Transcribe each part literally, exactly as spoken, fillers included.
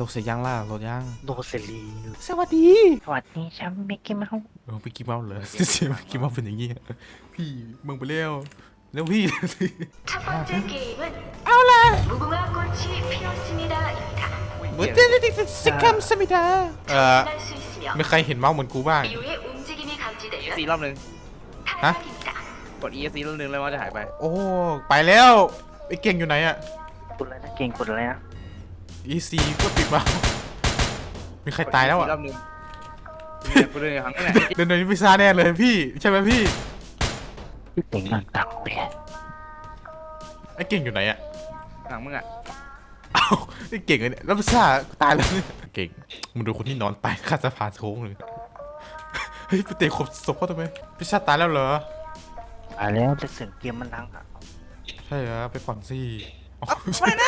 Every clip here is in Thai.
ลเสร็จยังล่ะโหลดยังโดเซรีสวัสดีสวัสดีฉันมิกกี้เมาส์เออไปกินเมาส์เลยเสียงกินเมาส์เป็นอย่างงี้พี่มึงไปเร็วเร็วพี่ 첫 번째 게임은 เอาล่ะ 무궁화 꽃이 피었습니다입니다. เฮ้ยเดี๋ยวเดี๋ยวสิคัมสมิดาเอ่อ 할 수 있으며 ไม่ใครเห็นเมาส์เหมือนกูบ้าง 이후에 움직임이 อี 감지되면 ซีรอบหนึ่ง 탈락입니다. กด อี เอส ซีรอบหนึ่งเลยว่าจะหายไปโอ้ไปแล้วไอ้เก่งอยู่ไหนอะกดอะไรนะเก่งกดอะไรนะอีซีก็ติดเมาส์มีใครตายแล้วอะรอบหนึ่งเนี่ยกูเดินครั้งนี้แหละเดินโดยพิซซ่าแน่เลยพี่ใช่ไหมพี่พี่เก่งนั่งตักเปียไอ้เก่งอยู่ไหนอะหลังมึงอ่ะเอ้าไอ้เก่งเลยเนี่ยแล้วพิซซ่าตายแล้วเนี่ยเก่งมึงดูคนที่นอนตายข้างสะพานโค้งเลยเฮ้ยไปเตะขบศพเขาทำไมพิซซ่าตายแล้วเหรออ่าแล้วแต่เสียงเกมมันดังอ่ะใช่เหรอไปก่อนสิไม่นะ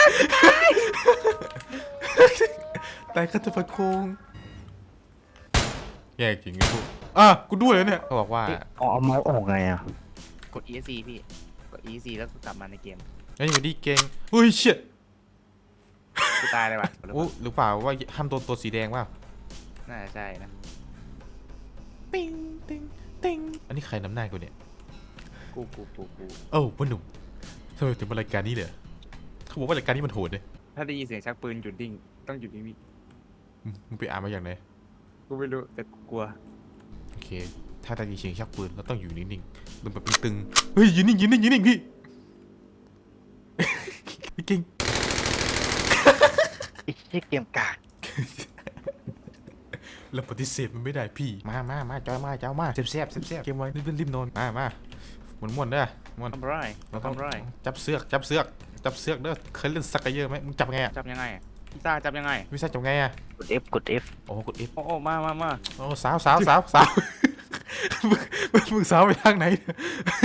ตายข้างสะพานโค้งแย่จริงไอ้พวกอ่ะกูด้วยเลยเนี่ยเขาบอกว่าเอาเอาเมาส์ออกไงอ่ะกด อี เอส ซี พี่กด อี เอส ซี แล้วกูกลับมาในเกมไอ้อยู่ดีเก่งเฮ้ยเชี่ยกูตายเลยว่ะโอ้หรือเปล่าว่าห้ามโดนตัวสีแดงว่าน่าจะใช่นะปิ้งติ้งติ้งอันนี้ใครนำหน้ากูเนี่ยกูกูกูกูโอ้พ่อหนุ่มทำไมถึงมารายการนี้เลยเขาบอกว่ารายการนี้มันโหดเลยถ้าได้ยินเสียงชักปืนหยุดดิ้งต้องหยุดนิ่งอืมมึงไปอ่านมาอย่างไรๆกูไม่รู้แต่กูกลัวโอเค ถ้าได้ยินเสียงชักปืนเราต้องอยู่นิ่งๆมึงแบบตึงๆเฮ้ยยืนนิ่งยืนนิ่งยืนนิ่งพี่ พี่เก่งไอ้เชี่ยเกมกากเราปฏิเสธมันไม่ได้พี่มามามาจอยมาเจ้ามาเสียบเสียบเสียบเสียบเกมไว้ริบริบนอนมามาหมุนม้วนเด้อม้วนทำไรเราต้องทำไรจับเสือกจับเสือกจับเสือกเด้อเคยเล่นสักกะเยอะไหมมึงจับไงอะจับยังไงอะพี่ซ่าจับยังไงวิซ่าจับไงอะกด F กด F โอ้กด F โอ้โอ้มามามาโอ้สาวสาวสาวสาวมึงมึงมึงสาวไปทางไหนเนี่ย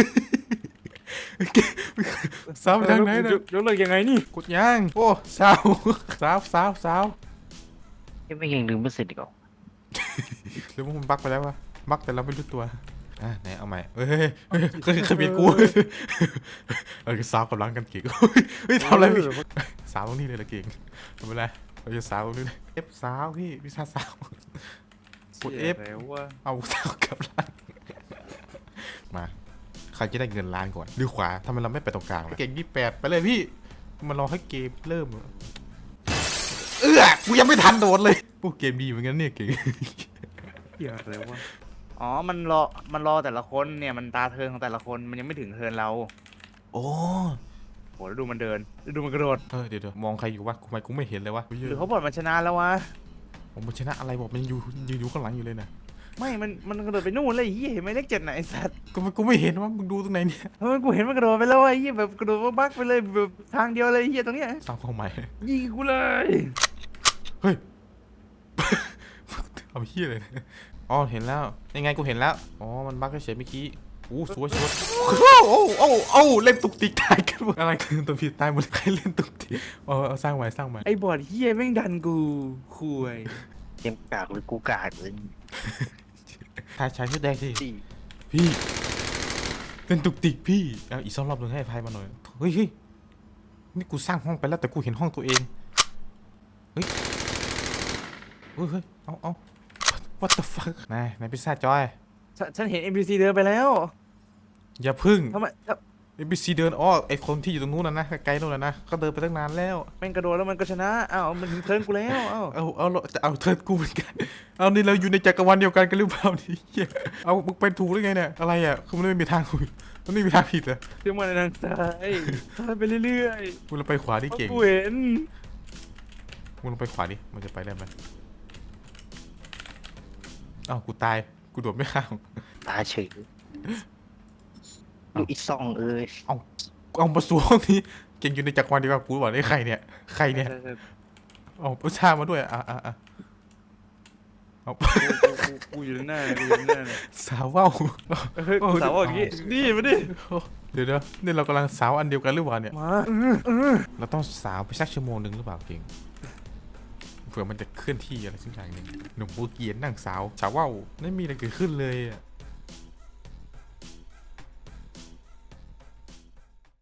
สาวไปทางไหนเนี่ยยกเลิกยังไงนี่กดยังโอ้สาวสาวสาวสาวยังไม่เก่งลืมไม่เสร็จอีกเหรอหรือว่ามันบักไปแล้ววะบักแต่เราไม่รู้ตัวอ่ะไหนเอาใหม่เฮ้ยเฮ้ยเฮ้ยเคยเคยเบียดกูเออสาวกำลังกันเก่งเฮ้ยทำอะไรพี่สาวตรงนี้เลยละเก่งทำอะไรเราจะสาวตรงนี้เลยเอฟสาวพี่พิซซ่าสาวกด F แล้วว่าเอาสาวกลับร้านมาใครจะได้เงินล้านก่อนดูขวาทำไมเราไม่ไปตรงกลางล่ะเก่งยี่แปดไปเลยพี่มารอให้เกมเริ่มเออกูยังไม่ทันโดนเลยโอ้เกมดีเหมือนกันเนี่ยเก่งเหี้ยอะไรวะอ๋อมันรอมันรอแต่ละคนเนี่ยมันตาเทิร์นของแต่ละคนมันยังไม่ถึงเทิร์นเราโอ้โหแล้วดูมันเดินแล้วดูมันกระโดดเออเดี๋ยวเดี๋ยวมองใครอยู่วะทำไมกูไม่เห็นเลยวะหรือเขาบอกมันชนะแล้ววะผมมันชนะอะไรบอกมันอยู่ยืนอยู่ข้างหลังอยู่เลยนะไม่มันมันกระโดดไปนู่นเลยไอ้เหี้ยเห็นไหมเลขเจ็ดน่ะไอ้สัตว์ก็มันกูไม่เห็นว่ามึงดูตรงไหนเนี่ยเฮ้ยกูเห็นมันกระโดดไปแล้วไอ้เหี้ยแบบกระโดดบักไปเลยแบบทางเดียวเลยไอ้เหี้ยตรงเนี้ยสร้างเข้าใหม่ยิงกูเลยเฮ้ย เอาเฮียเลยนะอ๋อเห็นแล้วยังไงกูเห็นแล้วอ๋อมันบั๊กเฉยเมื่อกี้อู้สวยสวยโอ้โอ้โอ้โอ้เล่นตุกติกตายกันหมดอะไรคือตัวผิดตายหมดใครเล่นตุกติกเอาเอาสร้างใหม่สร้างใหม่ไอ้บอดเหี้ยแม่งดันกูคุยเกมกากหรือกูกากเลยทายชายชุดแดงสิดีพี่เล่นตุกติกพี่เอาอีกสองรอบหนึ่งให้พายมาหน่อยเฮ้ยเฮ้ยนี่กูสร้างห้องไปแล้วแต่กูเห็นห้องตัวเองเฮ้ยเฮ้ยเฮ้ยเอาเอา what the fuck นายนายพิซซ่าจอยฉันฉันเห็น เอ็ม พี ซี เดินไปแล้วอย่าพึ่งทำไมทำเอ็มบีซีเดินอ้อไอคนที่อยู่ตรงนู้นนะนะไกลๆนู้นนะนะก็เดินไปตั้งนานแล้วแม่งกระโดดแล้วมันก็ชนะอ้าวมันถึงเทิร์นกูแล้วอ้าวเอาเอาจะเอาเทิร์นกูเหมือนกันเอานี่เราอยู่ในจักรวาลเดียวกันกันหรือเปล่านี่เหี้ยเอามึงไปถูกได้ไงเนี่ยอะไรอ่ะคือมันไม่มีทางถูกมันไม่มีทางผิดเลยเชื่อมันในทางซ้ายซ้ายไปเรื่อยมึงลงไปขวาดิๆเพราะเก่งกูเห็นมึงลงไปขวาดิมันจะไปได้ไหมอ้าวกูตายกูโดดไม่ข้ามตาเฉยดูอีซองเอ้ยเอาเอามาสวมนี้เก่งอยู่ในจักรวาลเดียวกันกูบอกได้ใครเนี่ยใครเนี่ยใช่ใช่เอาประชามาด้วยอ่ะอ่ะอ่ะเอากูกูกูอยู่หน้าเลยกูอยู่หน้าเลยสาวว่าวเฮ้ยกูสาวบอกอย่างงี้นี่มาดิเดี๋ยวเดี๋ยวนี่เรากำลังสาวอันเดียวกันหรือเปล่าเนี่ยมาเราต้องสาวไปสักชั่วโมงหนึ่งหรือเปล่าเก่งเผื่อมันจะเคลื่อนที่อะไรสักอย่างหนึ่งหนุ่มบูเกียนนั่งสาวสาวว่าวไม่มีอะไรเกิดขึ้นเลยอะ